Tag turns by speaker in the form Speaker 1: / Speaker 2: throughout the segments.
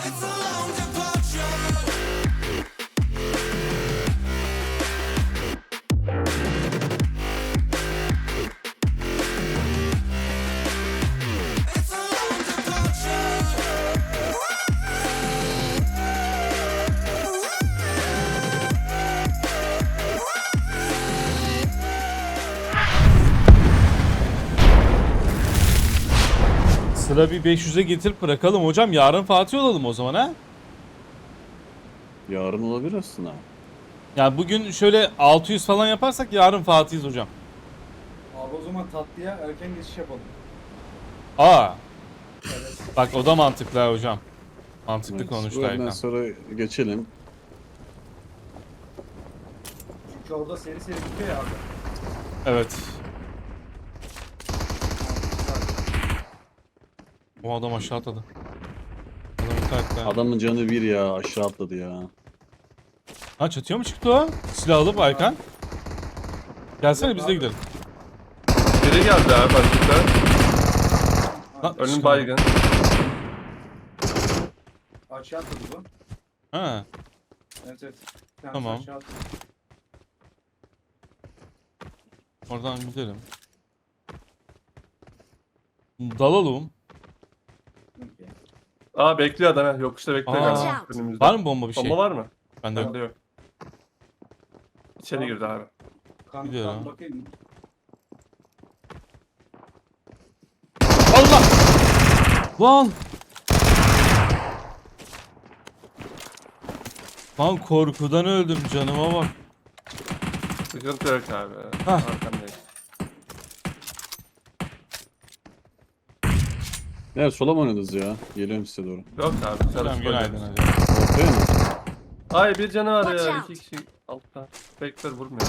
Speaker 1: Sıra bir 500'e getirip bırakalım hocam. Yarın Fatih olalım o zaman ha.
Speaker 2: Yarın olabilir aslında.
Speaker 1: Yani bugün şöyle 600 falan yaparsak yarın Fatih'iz hocam.
Speaker 3: Abi o zaman tatlıya erken geçiş yapalım.
Speaker 1: Aa,
Speaker 3: Evet.
Speaker 1: bak o da mantıklı ha hocam. Mantıklı
Speaker 2: Evet,
Speaker 1: konuştu
Speaker 2: bu
Speaker 1: Aykan.
Speaker 2: öğleden sonra geçelim.
Speaker 3: Çünkü orada seri seri bitiyor ya abi.
Speaker 1: Evet. O adam aşağı atladı. Adamı takla.
Speaker 2: Adamın canı bir ya, aşağı atladı ya.
Speaker 1: Ha, çatıya mı çıktı o? Silah alıp Aykan. Gelsene biz de gidelim.
Speaker 4: Biri geldi abi başlıkta.
Speaker 1: Lan,
Speaker 4: Önüm
Speaker 1: çıkamadım.
Speaker 4: baygın.
Speaker 3: Aşağı atladı bu.
Speaker 1: Ha,
Speaker 3: Evet evet. Bir tanesi
Speaker 1: Tamam.
Speaker 3: aşağı atladı.
Speaker 1: oradan gidelim. Dalalım.
Speaker 3: Okey.
Speaker 4: Aa bekliyor adam ha. Yokuşta bekliyor
Speaker 1: Aa.
Speaker 4: galiba. Önümüzde.
Speaker 1: Var mı bomba bir şey?
Speaker 4: Bomba var mı?
Speaker 1: Bende yok.
Speaker 4: Bende yok. İçeri girdi abi.
Speaker 1: Gidiyorum.
Speaker 3: Kan bakayım mı?
Speaker 1: Allah! Lan! Lan korkudan öldüm, canıma bak.
Speaker 4: Sıkıntı yok abi.
Speaker 1: Hah.
Speaker 4: Arkandayım.
Speaker 2: Evet, sola mı oynadınız ya? Geliyorum size doğru.
Speaker 4: Yok abi.
Speaker 1: Hocam
Speaker 4: Çalışma
Speaker 1: günaydın
Speaker 4: oynuyoruz.
Speaker 1: hocam.
Speaker 2: Ortaya mı?
Speaker 4: Ay bir canı var
Speaker 5: Watch
Speaker 4: ya.
Speaker 5: out.
Speaker 4: 2 kişi altta. Bekler vurmuyor.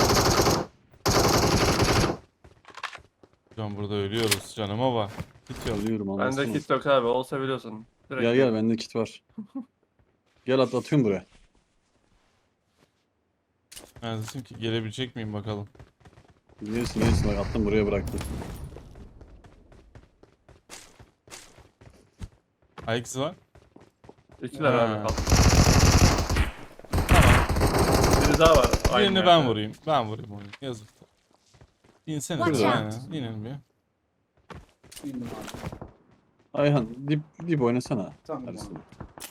Speaker 1: Hocam burada ölüyoruz, canıma bak.
Speaker 2: Kit alıyorum
Speaker 4: Bende
Speaker 2: anlasana.
Speaker 4: kit yok abi. Olsa biliyorsun. Direkt
Speaker 2: Gel gel, bende kit var. Gel atıyorum buraya.
Speaker 1: Neredesin ki? Gelebilecek miyim bakalım.
Speaker 2: Gelirsin bak, attım buraya bıraktım.
Speaker 1: AX var.
Speaker 4: İkiler
Speaker 1: Ha.
Speaker 4: abi. Al. Biri daha var. Aynı
Speaker 1: Birini
Speaker 4: yerde.
Speaker 1: ben vurayım. Ben vurayım onu. Yazık. İnsene
Speaker 5: Watch
Speaker 1: bir
Speaker 5: out.
Speaker 1: aynen. İnin bir.
Speaker 3: İndim abi.
Speaker 2: Ayhan dip oynasana.
Speaker 3: Tamam
Speaker 2: Arasına.
Speaker 3: abi.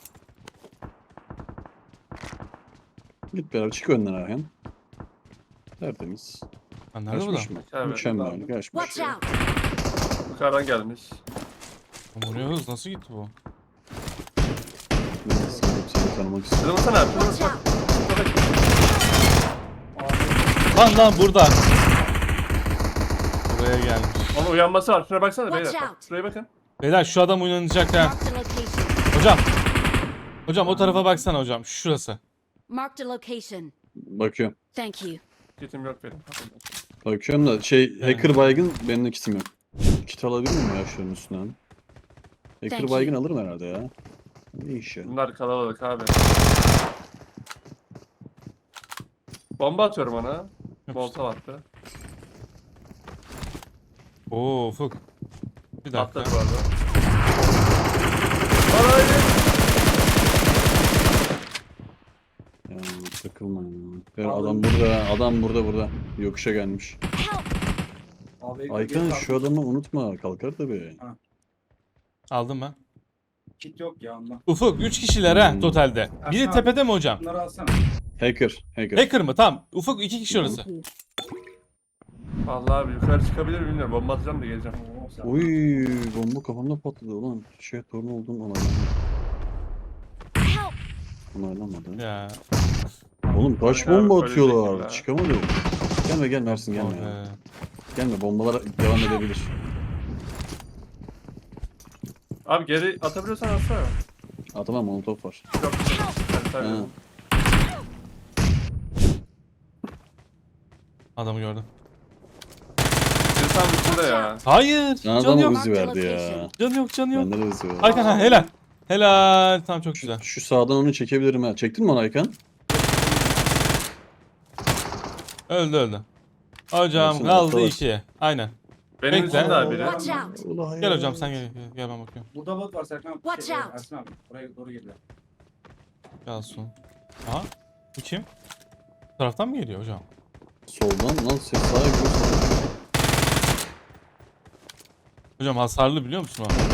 Speaker 2: Git beraber çık önden Ayhan. Tertemiz.
Speaker 1: Lan nerede bu da?
Speaker 2: Kaçmış mı?
Speaker 4: Evet.
Speaker 2: Mükemmel, kaçmış.
Speaker 5: Watch out!
Speaker 4: Yukarıdan gelmiş.
Speaker 1: Buraya hız nasıl gitti bu?
Speaker 2: Ben de seni tanımak istiyorum.
Speaker 4: Kırılmasana abi.
Speaker 5: Watch
Speaker 4: Kırılmasana.
Speaker 5: out!
Speaker 1: Lan burada. Buraya gelmiş.
Speaker 4: Onun uyanması var. Şuna baksana
Speaker 5: Watch
Speaker 4: beyler. Bak,
Speaker 5: out.
Speaker 4: şuraya bakın.
Speaker 1: Beyler şu adam uyanacak ha.
Speaker 5: Marked a location.
Speaker 1: Hocam. Hocam o tarafa baksana hocam. Şurası.
Speaker 5: Marked a location.
Speaker 2: Bakıyorum.
Speaker 5: Thank you.
Speaker 4: Kitim yok benim.
Speaker 2: Bakıyorum da hacker baygın, benim de kitim yok. Kit alabilir miyim ya şunun üstünden? Hacker
Speaker 5: Thank
Speaker 2: baygın
Speaker 5: you.
Speaker 2: alırım herhalde ya. Ne iş ya?
Speaker 4: Bunlar kalabalık abi. Bomba atıyorum ona. Molotov attı.
Speaker 1: Oo Ufuk. Bir dakika.
Speaker 4: Atladı bu arada. Lan haydi.
Speaker 2: Ya takılma ya. Ya
Speaker 3: Aldım.
Speaker 2: adam burada. Yokuşa gelmiş.
Speaker 5: Help!
Speaker 3: Abi
Speaker 2: Aykan şu adamı unutma, kalkar tabii.
Speaker 1: Aldım ben.
Speaker 3: kit yok ya ondan.
Speaker 1: Ufuk 3 kişiler ha
Speaker 2: Hmm.
Speaker 1: totalde. Biri
Speaker 3: Ersan
Speaker 1: tepede mi hocam?
Speaker 3: Bunları alsana.
Speaker 2: Hacker.
Speaker 1: Hacker mı? Tamam. Ufuk 2 kişi orası.
Speaker 4: Vallahi abi yukarı çıkabilir miyim bilmiyorum. Bomba atacağım da geleceğim.
Speaker 3: Oo, sen-
Speaker 2: Oy, bomba kafamda patladı ulan. Torun oldum onaylanmadı.
Speaker 5: Help!
Speaker 2: Onaylanmadı.
Speaker 1: Ya.
Speaker 2: Oğlum kaç
Speaker 4: Aynen abi,
Speaker 2: bomba
Speaker 4: öyle
Speaker 2: atıyorlar.
Speaker 4: şekilde.
Speaker 2: Çıkamadı. Gelme Ersin gelme ya.
Speaker 1: Abi.
Speaker 2: Gelme, bombalar devam edebilir.
Speaker 4: Abi geri atabiliyorsan atsana.
Speaker 2: Atamam, molotof var.
Speaker 4: Yok. Ben
Speaker 2: Ha.
Speaker 4: tabii.
Speaker 1: Adamı gördüm.
Speaker 4: Biri tam üstünde ya.
Speaker 1: Hayır.
Speaker 2: Sana
Speaker 1: Canı
Speaker 2: adam
Speaker 1: yok.
Speaker 2: Uzi verdi ya.
Speaker 1: Canı yok, canı yok.
Speaker 2: Bende de Uzi var.
Speaker 1: Aykan ha, helal. Helal. Tamam, çok güzel.
Speaker 2: Şu sağdan onu çekebilirim ha. Çektin mi onu Aykan?
Speaker 1: Öldü. Hocam
Speaker 2: Baksana,
Speaker 1: kaldı
Speaker 2: ortalar.
Speaker 1: 2. Aynen.
Speaker 4: Benim
Speaker 1: Bekle.
Speaker 4: için daha biri.
Speaker 5: Watch out.
Speaker 2: Ulan
Speaker 1: Gel
Speaker 2: ya.
Speaker 1: hocam sen gel. Gel ben bakıyorum.
Speaker 3: Burada bot var Serkan abi.
Speaker 5: Watch out.
Speaker 3: Ersin abi. Buraya doğru geliyor.
Speaker 1: Gelsin. Aha. Bu kim? Bu taraftan mı geliyor hocam?
Speaker 2: Soldan lan ses sağa gidiyor. sola.
Speaker 1: Hocam hasarlı biliyor musun o?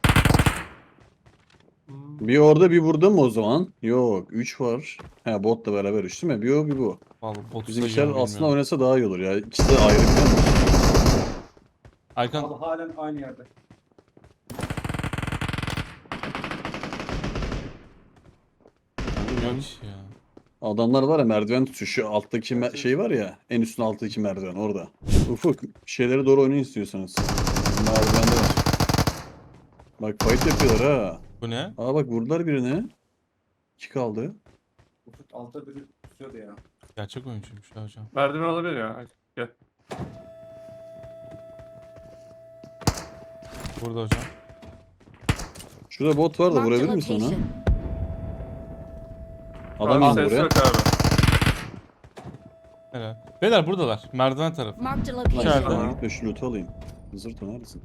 Speaker 2: Bir orada bir burada mı o zaman? Yok 3 var. He botla beraber 3 değil mi? Bir o bir bu.
Speaker 1: Vallahi botu
Speaker 2: Bizimkiler
Speaker 1: sayıyorum,
Speaker 2: aslında
Speaker 1: bilmiyorum.
Speaker 2: oynasa daha iyi olur ya. İkisi de ayrı biliyor musun?
Speaker 1: Aykan
Speaker 3: Abi halen aynı yerde.
Speaker 1: yok ki ya.
Speaker 2: Adamlar var ya merdiven tutuyor. Şu alttaki şey var ya. En üstün alttaki merdiven orada. Ufuk şeylere doğru oynayın istiyorsanız. Merdivende var. Bak fight yapıyorlar ha.
Speaker 1: Bu ne?
Speaker 2: Aa bak vurdular birine. 2 kaldı.
Speaker 3: Ufuk altta biri tutuyordu ya.
Speaker 1: Gerçek oyuncuymuş ya hocam.
Speaker 4: Merdiven olabilir ya. Hadi, gel.
Speaker 1: Burada hocam.
Speaker 2: Şurada bot var da
Speaker 5: Marked a
Speaker 2: vurabilir misin onu?
Speaker 5: location.
Speaker 2: Adam
Speaker 4: Abi
Speaker 2: indi
Speaker 4: ses
Speaker 2: buraya.
Speaker 4: yok abi.
Speaker 1: Helal. Beyler buradalar. Merdiven tarafı.
Speaker 5: Marked a
Speaker 2: Lan
Speaker 5: location.
Speaker 1: İçeride.
Speaker 2: şuradan gitme şu loot'u alayım. Zırto neredesin?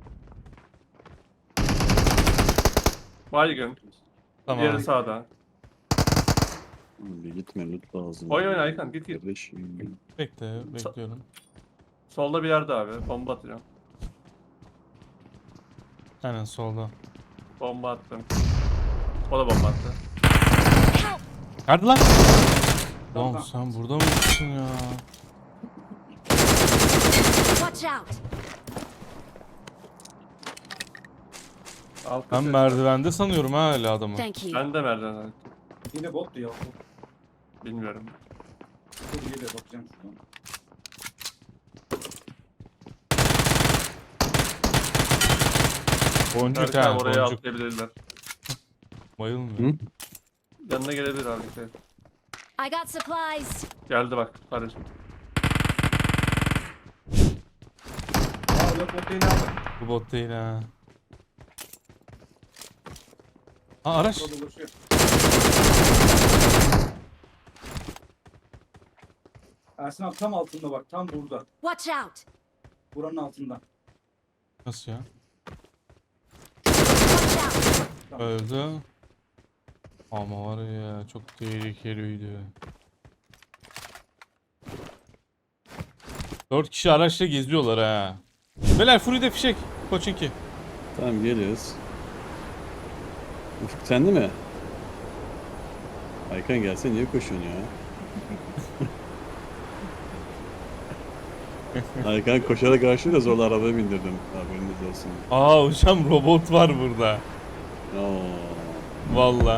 Speaker 4: Baygın.
Speaker 1: Tamam.
Speaker 4: Diğeri sağda.
Speaker 2: Bir gitme loot lazım.
Speaker 4: Oyun oyna Aykan, git git.
Speaker 2: Kardeşim.
Speaker 1: Bekle. Bekliyorum.
Speaker 4: Solda bir yerde abi. Bomba atacağım.
Speaker 1: Aynen solda.
Speaker 4: Bomba attım. O da bomba attı.
Speaker 5: Help.
Speaker 1: Nerede lan?
Speaker 3: Tamam.
Speaker 1: Lan sen burada mısın ya?
Speaker 5: Watch out.
Speaker 4: Altta
Speaker 1: Ben
Speaker 4: ses var.
Speaker 1: merdivende sanıyorum ha hala adamı.
Speaker 5: Thank you.
Speaker 4: Ben de merdiven.
Speaker 3: Yine bottu ya.
Speaker 4: Bilmiyorum.
Speaker 3: Dur geliyor bakacağım şuradan.
Speaker 1: Boncuk
Speaker 4: Erkan
Speaker 1: ha.
Speaker 4: oraya
Speaker 1: Boncuk.
Speaker 4: atlayabilirler.
Speaker 1: Bayılmıyor.
Speaker 2: Hı?
Speaker 4: Yanına gelebilir abi. Şey.
Speaker 5: I got supplies.
Speaker 4: Geldi bak. Kardeşim.
Speaker 3: Aa yok bot yeni aldım.
Speaker 1: Bu bot değil ha. Aa araç.
Speaker 3: Burada dolaşıyor. Ersin abi tam altında bak. Tam burada.
Speaker 5: Watch out.
Speaker 3: Buranın altında.
Speaker 1: Nasıl ya?
Speaker 5: Watch out.
Speaker 1: Öldü. Ama var ya çok tehlikeliydi. 4 kişi araçla geziyorlar ha. Beyler Fury'de fişek. Koçinki.
Speaker 2: Tamam geliyoruz. Ufuk sende mi? Aykan gelse niye koşuyorsun ya? Aykan koşarak karşı da zorla arabaya bindirdim. Haberiniz olsun.
Speaker 1: Aa hocam robot var burada.
Speaker 2: Oo.
Speaker 1: Valla.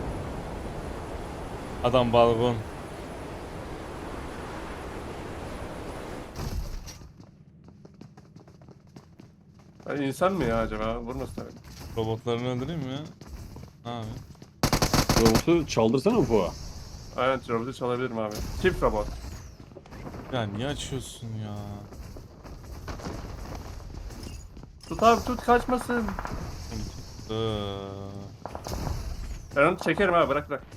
Speaker 1: Adam balkon.
Speaker 4: Yani insan mı ya acaba? Vurmasın tabii.
Speaker 1: Robotlarını öldüreyim mi ya? Abi.
Speaker 2: Robotu çaldırsana Ufuk'a.
Speaker 4: Aynen robotu çalabilirim abi. Çift robot.
Speaker 1: Ya niye açıyorsun ya?
Speaker 4: Tut abi tut kaçmasın. Ben onu çekerim abi bırak bırak.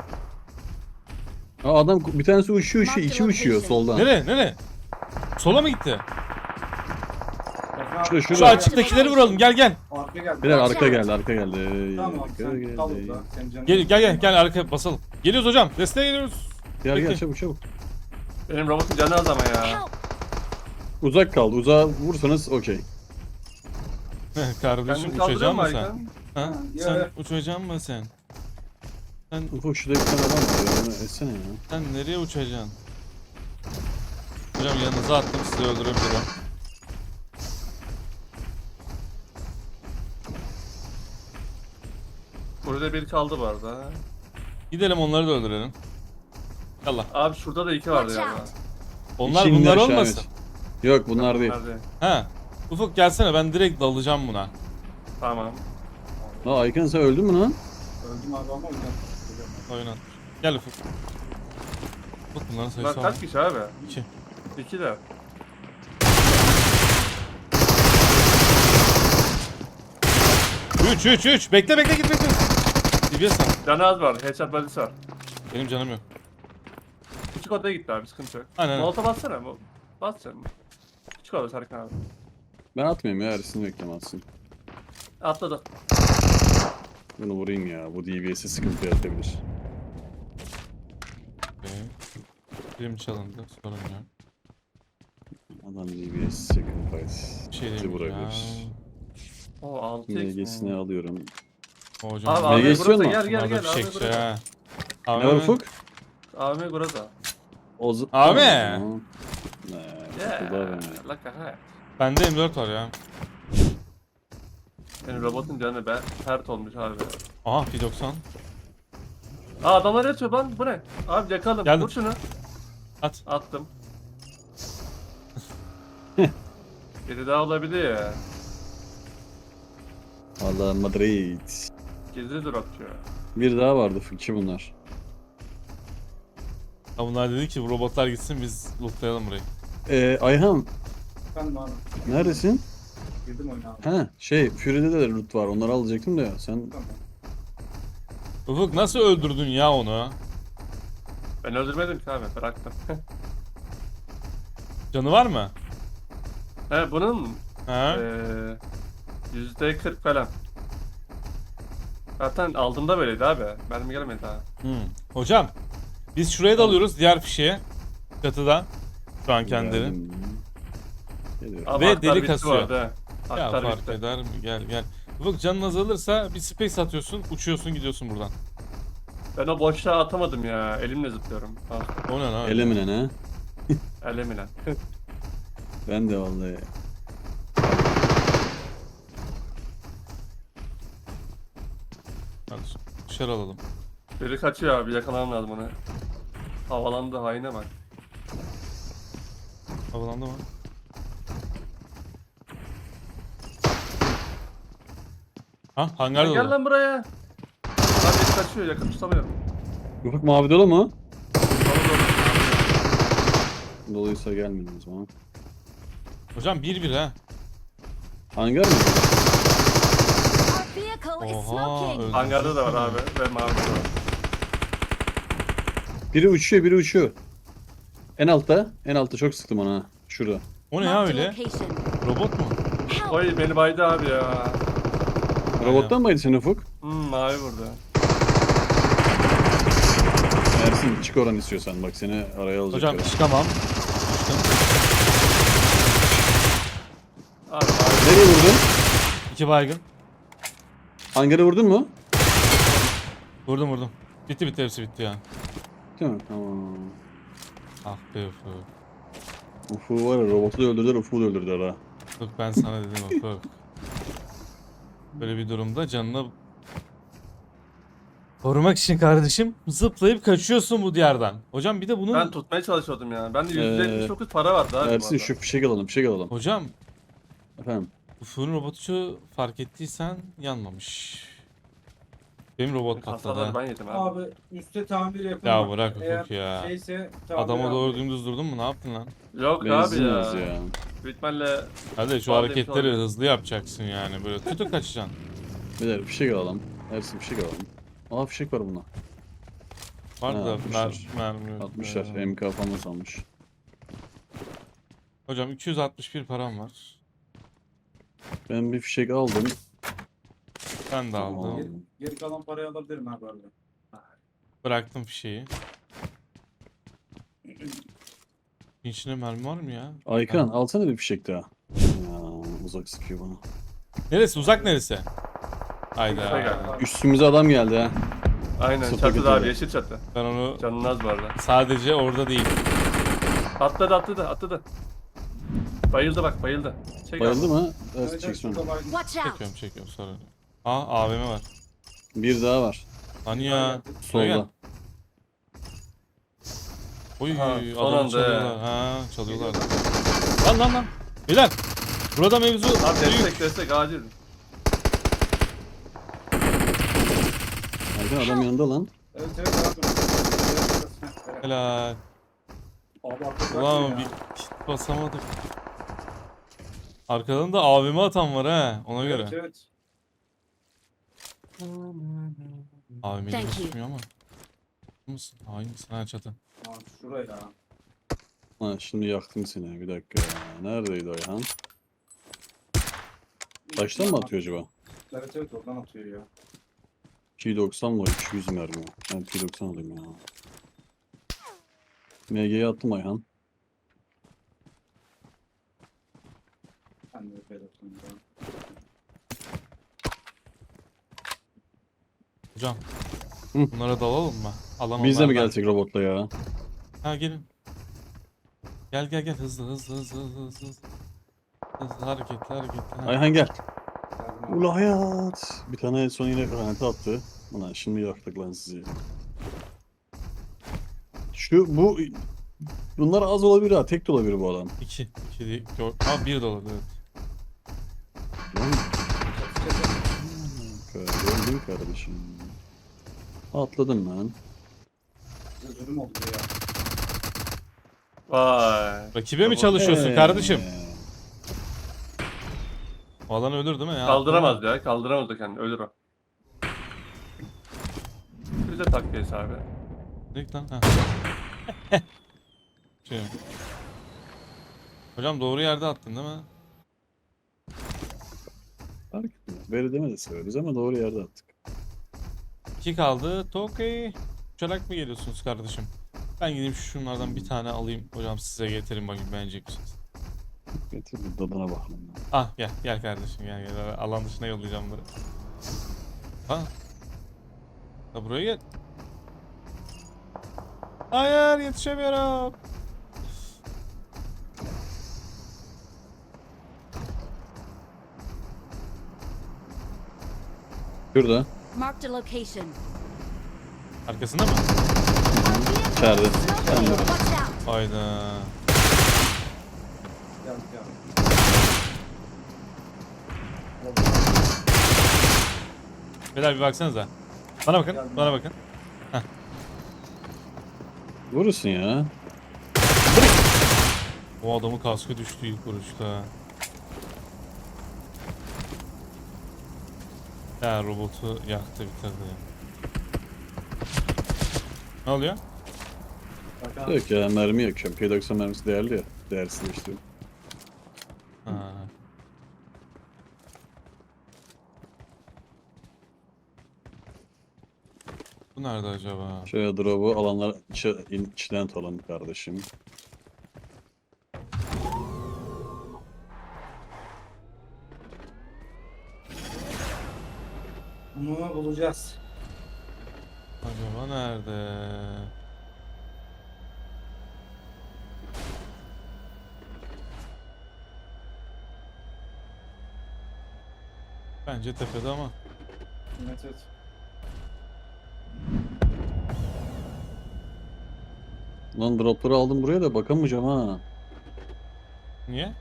Speaker 2: Aa, adam bir tanesi uçuyor, iki uçuyor soldan.
Speaker 1: Nereye? Nereye? Sola mı gitti?
Speaker 3: Ersin abi,
Speaker 2: Şurada,
Speaker 1: Şu
Speaker 2: şurada.
Speaker 1: açıktakileri vuralım. Gel gel.
Speaker 3: Arkaya geldi.
Speaker 2: Beyler
Speaker 5: Watch
Speaker 2: arka
Speaker 5: out.
Speaker 2: geldi, arka geldi.
Speaker 3: Tamam
Speaker 2: Arka
Speaker 3: sen kal
Speaker 2: geldi.
Speaker 3: burada. Senin canın.
Speaker 1: Gel arka basalım. Geliyoruz hocam. Desteğe geliyoruz.
Speaker 2: Gel
Speaker 1: Peki.
Speaker 2: gel çabuk çabuk.
Speaker 4: Benim robotun canı az ama ya.
Speaker 5: Help.
Speaker 2: Uzak kaldı. Uzağa vursanız okey.
Speaker 1: Kardeşim
Speaker 4: Kendini kaldırıyor
Speaker 1: uçacak
Speaker 4: mu
Speaker 1: mısın sen?
Speaker 4: Aykan?
Speaker 1: Ha?
Speaker 3: Ya,
Speaker 1: Sen
Speaker 3: ya.
Speaker 1: uçacak mısın sen? Sen,
Speaker 2: Ufuk şurada bir tane adam var ya. Onu etsene ya.
Speaker 1: sen nereye uçacaksın? Hocam yanınıza attım sizi öldürebilirim.
Speaker 4: Burada bir kaldı bu arada.
Speaker 1: Gidelim onları da öldürelim. Yallah.
Speaker 4: Abi şurada da iki vardı
Speaker 5: Watch
Speaker 4: galiba.
Speaker 5: out.
Speaker 1: Onlar
Speaker 2: İki
Speaker 1: bunlar
Speaker 2: indi aşağı,
Speaker 1: olmasın.
Speaker 2: evet. Yok bunlar değil.
Speaker 4: Nerede?
Speaker 1: Ha. Ufuk gelsene ben direkt dalacağım buna.
Speaker 4: Tamam.
Speaker 2: Aa Aykan sen öldün mü lan?
Speaker 3: Öldüm abi ama oynadım.
Speaker 1: Oyuna. Gel Ufuk. Ufuk bunların
Speaker 4: Bunlar
Speaker 1: sayısı var.
Speaker 4: kaç kişi abi?
Speaker 1: 2.
Speaker 4: İki de.
Speaker 1: Üç. Bekle git bekle. DBS var.
Speaker 4: Canı az var. Headshot body'si var.
Speaker 1: Benim canım yok.
Speaker 4: Küçük odaya gitti abi sıkıntı yok.
Speaker 1: Aynen.
Speaker 4: Molotov bassana. Bas canım. Küçük oda Serkan abi.
Speaker 2: Ben atmayayım ya, Ersin beklemezsin.
Speaker 4: Atladı.
Speaker 2: Bunu vurayım ya. Bu DBS'e sıkıntı yaratabilir.
Speaker 1: Okay. Film çalındı. Sorun yok.
Speaker 2: Adam DBS yakın fight.
Speaker 1: Bir şey
Speaker 2: Bizi
Speaker 1: değil ya.
Speaker 2: vurabilir.
Speaker 4: O 6x
Speaker 2: MG'sini
Speaker 4: mi?
Speaker 2: alıyorum.
Speaker 1: Hocam.
Speaker 4: Abi
Speaker 2: MG
Speaker 4: abi
Speaker 2: istiyor
Speaker 4: burası
Speaker 2: mu?
Speaker 4: gel gel
Speaker 1: bunlar da
Speaker 4: gel. Abi
Speaker 1: fişekçi
Speaker 4: burası.
Speaker 1: ha.
Speaker 2: Ne
Speaker 1: Abi
Speaker 2: var
Speaker 1: mi?
Speaker 2: Ufuk?
Speaker 4: Abi burası.
Speaker 1: Abi!
Speaker 2: Sıkıldı abi.
Speaker 4: Laka ha.
Speaker 1: Bende M4 var ya.
Speaker 4: Benim robotun canı be pert olmuş abi.
Speaker 1: Aha P90.
Speaker 4: Aa adamlar yatıyor lan bu ne? Abi yakalım.
Speaker 1: Geldim.
Speaker 4: Vur şunu.
Speaker 1: At.
Speaker 4: Attım. Biri daha olabilir ya.
Speaker 2: Valla Madrid.
Speaker 4: Gizli dropçu.
Speaker 2: Bir daha vardı Fıkçı bunlar.
Speaker 1: Ya bunlar dedi ki bu robotlar gitsin biz lootlayalım burayı.
Speaker 2: Ayhan
Speaker 3: Efendim abi.
Speaker 2: neredesin?
Speaker 3: Girdim oyuna abi.
Speaker 2: Ha Fury'de de loot var. Onları alacaktım da sen
Speaker 3: Tamam.
Speaker 1: Ufuk nasıl öldürdün ya onu?
Speaker 4: Ben öldürmedim ki abi bıraktım.
Speaker 1: Canı var mı?
Speaker 4: He bunun
Speaker 1: Ha?
Speaker 4: %40 falan. Zaten aldığımda böyleydi abi. Mermi gelmedi daha.
Speaker 1: Hocam biz şuraya da alıyoruz diğer fişeğe. Çatıda. Şu an kendileri.
Speaker 2: geldim. Geliyorum.
Speaker 4: Abi
Speaker 1: Ve
Speaker 4: haklar
Speaker 1: deli
Speaker 4: bitti
Speaker 1: kasıyor.
Speaker 4: bu arada.
Speaker 1: Ya
Speaker 4: Haklar
Speaker 1: fark
Speaker 4: bitti.
Speaker 1: eder mi? Gel gel. Ufuk canın azalırsa bir space atıyorsun, uçuyorsun gidiyorsun buradan.
Speaker 4: Ben o boşluğa atamadım ya. Elimle zıplıyorum. Ha,
Speaker 1: O ne lan?
Speaker 2: Elemine ne?
Speaker 4: elimle.
Speaker 2: Ben de vallahi.
Speaker 1: Hadi dışarı alalım.
Speaker 4: Biri kaçıyor abi yakalamam lazım onu. Havalandı haine bak.
Speaker 1: Havalandı mı? Ha hangar
Speaker 4: Gel
Speaker 1: dolu.
Speaker 4: lan buraya. Abi biri kaçıyor yakın tutamıyorum.
Speaker 2: Ufuk mavi dolu mu?
Speaker 4: Dolu dolu.
Speaker 2: Doluysa gelmedim o zaman.
Speaker 1: Hocam 1-1 ha.
Speaker 2: Hangar mı?
Speaker 5: Our vehicle is
Speaker 1: Oha,
Speaker 5: smoking.
Speaker 1: öldü.
Speaker 4: Hangarda da var abi ve mavi de var.
Speaker 2: Biri uçuyor, biri uçuyor. En altta. En altta çok sıktım ona. Ha. Şurada.
Speaker 1: O ne ya
Speaker 5: Marked a
Speaker 1: öyle?
Speaker 5: location.
Speaker 1: Robot mu?
Speaker 5: Help.
Speaker 4: Oy beni baydı abi ya.
Speaker 2: Robottan mıydı sen Ufuk?
Speaker 4: Mavi vurdu.
Speaker 2: Ersin çık oradan istiyorsan. Bak seni araya alacak.
Speaker 1: Hocam çıkamam. Çıktım.
Speaker 4: Abi mavi.
Speaker 2: Nereye vurdun?
Speaker 1: 2 baygın.
Speaker 2: Hangarı vurdun mu?
Speaker 1: Vurdum. Bitti hepsi bitti ya.
Speaker 2: Değil mi? Tamam.
Speaker 1: Ah be Ufuk.
Speaker 2: Ufuk var ya, robotu da öldürdüler, Ufuk'u da öldürdüler ha.
Speaker 1: Ufuk ben sana dedim Ufuk. Böyle bir durumda canını korumak için kardeşim zıplayıp kaçıyorsun bu diyardan. Hocam bir de bunun...
Speaker 4: Ben tutmaya çalışıyordum ya. Bende %79 para vardı abi. bu
Speaker 2: Ersin
Speaker 4: arada.
Speaker 2: şu fişek alalım, fişek alalım.
Speaker 1: Hocam
Speaker 2: Efendim.
Speaker 1: Ufuk'un robotu fark ettiysen yanmamış. Benim robot patladı.
Speaker 4: Hastaları
Speaker 1: ha.
Speaker 4: ben yedim abi.
Speaker 3: Abi üstte tamir yapın.
Speaker 1: Ya
Speaker 3: bak.
Speaker 1: bırak
Speaker 3: Eğer
Speaker 1: Ufuk ya.
Speaker 3: Şeyse tamir
Speaker 1: Adama
Speaker 3: abi.
Speaker 1: doğru dümdüz durdun mu? Ne yaptın lan?
Speaker 4: Yok
Speaker 2: Benzin
Speaker 4: abi
Speaker 2: az
Speaker 4: ya.
Speaker 2: ya.
Speaker 4: Büyük ihtimalle
Speaker 1: Hadi şu
Speaker 4: Vallahi
Speaker 1: hareketleri
Speaker 4: bir şey
Speaker 1: hızlı yapacaksın yani. Böyle tutup kaçacaksın.
Speaker 2: Beyler fişek alalım. Ersin fişek alalım. Aa fişek var buna.
Speaker 1: Var
Speaker 2: Ha,
Speaker 1: da
Speaker 2: atmışlar.
Speaker 1: mermi yok.
Speaker 2: 60'lar. MK falan salmış.
Speaker 1: Hocam 261 param var.
Speaker 2: Ben bir fişek aldım.
Speaker 1: Ben de
Speaker 2: Tamam.
Speaker 1: aldım.
Speaker 3: Geri kalan parayı alabilirim abi arada.
Speaker 1: Bıraktım fişeği. İçinde mermi var mı ya?
Speaker 2: Aykan
Speaker 1: Ha.
Speaker 2: alsana bir fişek daha. Ya, uzak sıkıyor bana.
Speaker 1: Neresi? Uzak neresi?
Speaker 4: Fişek
Speaker 1: Hayda.
Speaker 4: abi.
Speaker 2: Üstümüze adam geldi ha.
Speaker 4: aynen
Speaker 2: Sıfır
Speaker 4: çatıda
Speaker 2: götürdü.
Speaker 4: abi yeşil çatı.
Speaker 1: Ben onu
Speaker 4: Canın az bu arada.
Speaker 1: sadece orada değil.
Speaker 4: Atladı. Bayıldı bak bayıldı. Çek
Speaker 2: Bayıldı
Speaker 4: abi.
Speaker 2: mı?
Speaker 3: Evet,
Speaker 2: Evet çeksin.
Speaker 3: şurada baygın.
Speaker 5: Watch out.
Speaker 1: Çekiyorum sorun yok. Aa AVM var.
Speaker 2: Bir daha var.
Speaker 1: Hani ya.
Speaker 2: Solda.
Speaker 1: Oy
Speaker 4: Aha, son
Speaker 1: adamı
Speaker 4: anda
Speaker 1: çalıyorlar. Ha çalıyorlar. Lan. Beyler. Burada mevzu
Speaker 4: Abi
Speaker 1: büyük.
Speaker 4: destek acil.
Speaker 2: Aykan adam yanında lan.
Speaker 3: Evet abi.
Speaker 1: Helal.
Speaker 3: Abi arkadaşlar
Speaker 1: Ulan
Speaker 3: ya.
Speaker 1: bir kit basamadık. Arkadan da AVM atan var ha ona göre.
Speaker 3: Evet.
Speaker 1: AVM'yi
Speaker 5: Thank you.
Speaker 1: gözükmüyor ama. Mısın? Hain misin? Ha çatı.
Speaker 3: Abi şuraya.
Speaker 2: Ha şimdi yaktım seni. Bir dakika ya. Neredeydi Ayhan? Taştan mı atıyor acaba?
Speaker 3: Evet evet oradan atıyor ya.
Speaker 2: 290 var 200 mermi. Ben 290 alayım ya. MG'ye attım Ayhan.
Speaker 3: Ben de böyle atayım ya.
Speaker 1: Hocam.
Speaker 2: Hı.
Speaker 1: Bunlara dalalım mı? Alan
Speaker 2: Biz de mi
Speaker 1: onlardan.
Speaker 2: gelsek robotla ya?
Speaker 1: Ha gelin. Gel hızlı. Hızlı hareketli. Ha.
Speaker 2: Ayhan gel.
Speaker 3: Geldim abi.
Speaker 2: Ula hayat. Bir tane son yine granate attı. Ulan şimdi yaktık lan sizi. Bunlar az olabilir ha. Tek de olabilir bu adam.
Speaker 1: 2 değil. Ha 1 dolar evet.
Speaker 2: Lan
Speaker 3: Çatı çatı.
Speaker 2: öldün kardeşim. Atladın lan.
Speaker 3: Üzülüm oldu ya.
Speaker 4: Vay.
Speaker 1: Rakibe mi çalışıyorsun kardeşim?
Speaker 2: Ee,
Speaker 1: O alan ölür değil mi ya?
Speaker 4: Kaldıramaz ya. Kaldıramaz da kendini. Ölür o. Bize takviyeyiz abi.
Speaker 1: Direkt lan. Ha. Şey. Hocam doğru yerde attın değil mi?
Speaker 2: Fark etmez. Böyle deme de severiz ama doğru yerde attık.
Speaker 1: 2 kaldı. Tokay. Uçarak mı geliyorsunuz kardeşim? Ben gideyim şunlardan bir tane alayım. Hocam size getireyim bakayım beğenecek misiniz?
Speaker 2: Getir bir tadına bakalım.
Speaker 1: Ah gel kardeşim gel. Alan dışına yollayacağım bunları. Ha. Ha buraya gel. Hayır yetişemiyorum.
Speaker 2: Şurada.
Speaker 5: Marked a location.
Speaker 1: Arkasında mı?
Speaker 2: İçeride.
Speaker 5: Smoking.
Speaker 2: Sen de.
Speaker 5: Watch out.
Speaker 1: Hayda.
Speaker 3: Geldik geldik.
Speaker 1: Beyler bir baksanıza. Bana bakın.
Speaker 3: Geldim.
Speaker 1: Bana bakın.
Speaker 2: Vurursun ya.
Speaker 1: O adamın kaskı düştü ilk vuruşta. Ya robotu yaktı bitirdi. Ne oluyor?
Speaker 3: Bak
Speaker 2: Yok ya mermi yakıyorum. P90 mermisi değerli ya. Değersizleşti.
Speaker 1: Ha. Bu nerede acaba?
Speaker 2: Şöyle drop'u alanlar içten alalım kardeşim.
Speaker 3: bunu bulacağız.
Speaker 1: Acaba nerede? Bence tepede ama.
Speaker 3: Evet evet.
Speaker 2: Lan drop'ları aldım buraya da bakamayacağım ha.
Speaker 1: Niye?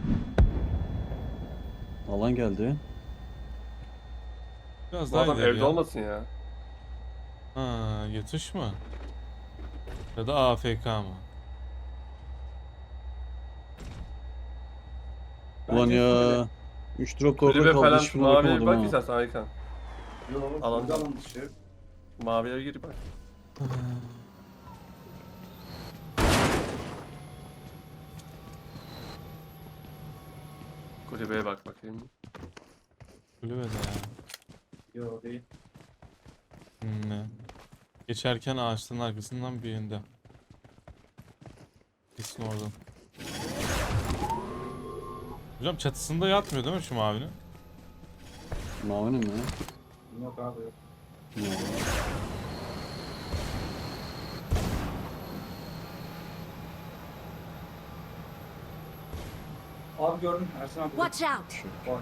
Speaker 2: Alan geldi.
Speaker 1: Biraz
Speaker 4: Bu
Speaker 1: daha
Speaker 4: adam
Speaker 1: ileri
Speaker 4: evde
Speaker 1: ya.
Speaker 4: olmasın ya.
Speaker 1: Ha, yatış mı? Ya da AFK mı?
Speaker 2: Ulan
Speaker 3: Bence
Speaker 2: ya. 3 drop da orada
Speaker 4: Kulübe
Speaker 2: kaldı.
Speaker 4: falan
Speaker 2: Hiçbirine
Speaker 4: maviye bir
Speaker 2: bakamadım
Speaker 4: bak
Speaker 2: ha.
Speaker 4: istersen Aykan.
Speaker 3: Yok.
Speaker 4: Alan-
Speaker 3: Alan alan dışı.
Speaker 4: Maviye gir bak. Kulübeye bak bakayım.
Speaker 1: Kulübede ya.
Speaker 3: Yok değil.
Speaker 1: Ne? Geçerken ağaçların arkasından birinde. Kesin oradan. Hocam çatısında yatmıyor değil mi şu mavinin?
Speaker 2: Mavinin mi?
Speaker 3: Yok abi yok.
Speaker 2: Ya.
Speaker 3: Abi gördüm Ersin abi.
Speaker 5: Watch out.
Speaker 3: Var.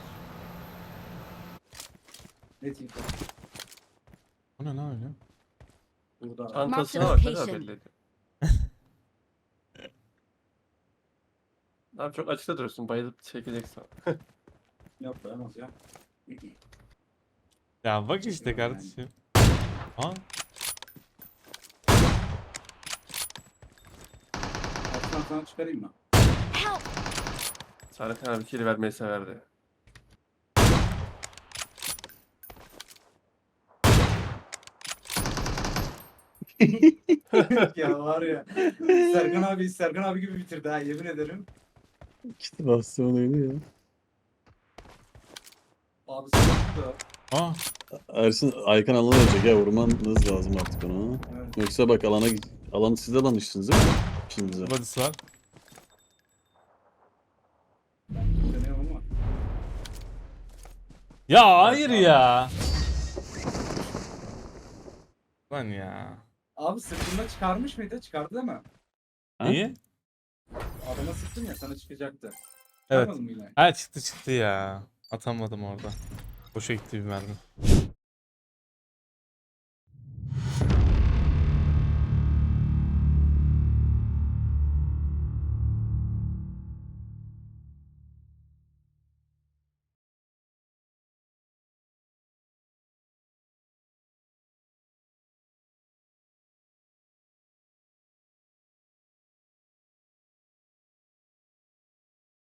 Speaker 3: Net info.
Speaker 1: O ne lan öyle?
Speaker 3: Burada.
Speaker 4: Çantasına
Speaker 5: Mark
Speaker 4: bak
Speaker 5: the
Speaker 4: ne kadar
Speaker 5: location.
Speaker 4: belli ediyor. Abi çok açıkta duruyorsun. Bayılıp çekeceksin.
Speaker 3: Yok dayanamaz ya.
Speaker 1: Ya bak işte kardeşim. Ha?
Speaker 3: Ersin abi sana çıkarayım mı?
Speaker 5: Help.
Speaker 4: Serkan abi kili vermeyi severdi.
Speaker 3: Ya var ya. Serkan abi gibi bitirdi ha yemin ederim.
Speaker 2: İşte bastiyon öyle ya.
Speaker 3: Abi sıkıntı.
Speaker 1: Aa,
Speaker 2: Ersin Aykan alana ölecek ya, vurmanız lazım artık onu.
Speaker 3: Evet.
Speaker 2: Yoksa bak alanı siz de almışsınız değil mi? İkinize.
Speaker 1: body'si var.
Speaker 3: Deniyorum ama.
Speaker 1: Ya hayır ya. Lan ya.
Speaker 3: Abi sırtında çıkarmış mıydı? Çıkardı değil mi?
Speaker 2: Ha?
Speaker 1: İyi.
Speaker 3: Adama sıktın ya sana çıkacaktı.
Speaker 1: Evet.
Speaker 3: Çıkarmadın mı yine?
Speaker 1: Ha çıktı ya. Atamadım orada. Boşa gitti bir mermi.